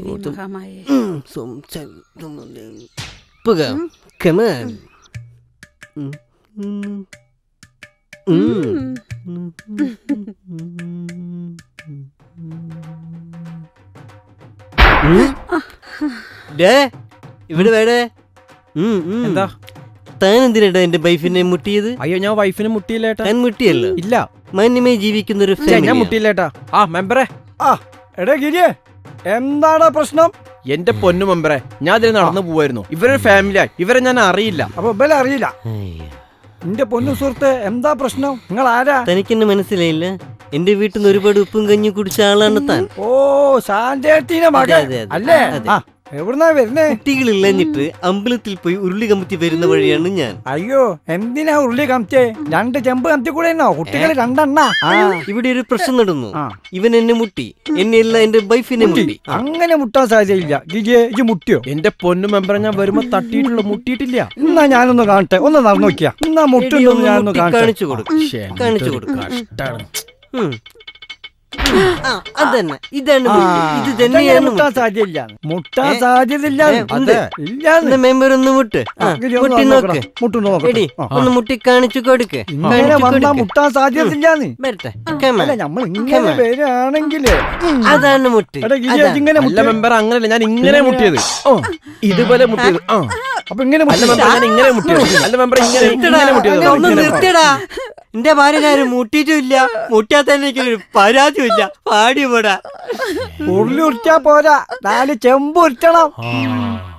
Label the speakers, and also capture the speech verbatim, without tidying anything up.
Speaker 1: Devi മഹാമായേ.
Speaker 2: Puga, come on. ഇവിടെ വേടേ
Speaker 3: എന്താ
Speaker 2: താൻ എന്തിനാ എന്റെ വൈഫിനെ മുട്ടിയത്?
Speaker 3: അയ്യോ ഞാൻ വൈഫിനെ മുട്ടിയില്ലേട്ടാ.
Speaker 2: താൻ മുട്ടിയല്ലോ.
Speaker 3: ഇല്ല,
Speaker 2: മാന്യമായി ജീവിക്കുന്ന ഒരു
Speaker 3: ഞാൻ മുട്ടിയില്ലേട്ടാ. ആ മെമ്പറെ,
Speaker 4: ആ എടാ ഗിരിയെ, എന്താടാ പ്രശ്നം?
Speaker 3: എന്റെ പൊന്നു മെമ്പറെ, ഞാൻ അതിൽ നടന്നു പോവായിരുന്നു. ഇവരൊരു ഫാമിലിയായി, ഇവരെ ഞാൻ അറിയില്ല.
Speaker 4: അപ്പൊ ഇവരെ അറിയില്ല? എന്റെ പൊന്നു സുഹൃത്ത്, എന്താ പ്രശ്നം? നിങ്ങൾ ആരാ?
Speaker 2: തനിക്കെന്നെ മനസ്സിലായില്ല? എന്റെ വീട്ടിൽ നിന്ന് ഒരുപാട് ഉപ്പും കഞ്ഞി കുടിച്ച ആളാണ് താൻ.
Speaker 4: ഓ, ശാന്തേട്ടീനെ മകൻ അല്ലേ? എവിടുന്നാ വരുന്നേ?
Speaker 2: കുട്ടികളില്ലഞ്ഞിട്ട് അമ്പലത്തിൽ പോയി ഉരുളി കമത്തി വരുന്ന വഴിയാണ് ഞാൻ.
Speaker 4: അയ്യോ, എന്തിനാ ഉരുളി കമത്തിയേ? രണ്ട് ചെമ്പ് കമത്തി കൂടെ കുട്ടികൾ രണ്ടെണ്ണ.
Speaker 2: ഇവിടെ ഒരു പ്രശ്നം നടന്നു. ഇവൻ എന്നെ മുട്ടി, എന്നെ അല്ല എന്റെ വൈഫിനെ മുട്ടി.
Speaker 4: അങ്ങനെ മുട്ടാൻ സാധ്യതയില്ല. ഗിരിയെ, ഇത് മുട്ടിയോ?
Speaker 3: എന്റെ പൊന്നു മെമ്പറെ, ഞാൻ വരുമ്പോ തട്ടിയിട്ടുള്ള മുട്ടിയിട്ടില്ല.
Speaker 4: എന്നാ ഞാനൊന്ന് കാണട്ടെ, ഒന്ന് നടന്നു നോക്കിയാ. എന്നാ മുട്ടുണ്ടോ ഞാനൊന്ന്
Speaker 2: കാണിച്ചു കൊടുക്കും, കാണിച്ചു കൊടുക്കും. അതന്നെ, ഇതാണ് ഇത് തന്നെയാണ്.
Speaker 4: മുട്ടാൻ സാധ്യതയില്ല, മുട്ടാൻ സാധ്യതയില്ല.
Speaker 2: മെമ്പർ ഒന്ന് മുട്ട് മുട്ടി നോക്ക്,
Speaker 4: മുട്ടുണ്ടോ?
Speaker 2: ഒന്ന് മുട്ടി കാണിച്ചു കൊടുക്ക്.
Speaker 4: മുട്ടാൻ സാധ്യതയില്ലാന്ന്
Speaker 2: വരട്ടെ,
Speaker 4: നമ്മൾ ഇങ്ങനെ വരികയാണെങ്കില്
Speaker 2: അതാണ് മുട്ട്.
Speaker 4: ഇങ്ങനെ
Speaker 3: മെമ്പർ അങ്ങനല്ല, ഞാൻ ഇങ്ങനെ മുട്ടിയത്, ഇതുപോലെ മുട്ടിയത്.
Speaker 4: അപ്പൊ ഇങ്ങനെ
Speaker 3: ഇങ്ങനെ മുട്ടിയത് അല്ല മെമ്പർ, ഇങ്ങനെ മുട്ടിയത്.
Speaker 2: എന്റെ ഭാര്യനാരും മുട്ടിയിട്ടുമില്ല, മുട്ടാത്ത എനിക്കൊരു പരാതിയില്ല. പാടി പോടാ.
Speaker 4: ഉരുളി ഉരുട്ടാ പോരാ, നാല് ചെമ്പ് ഉരുട്ടണം.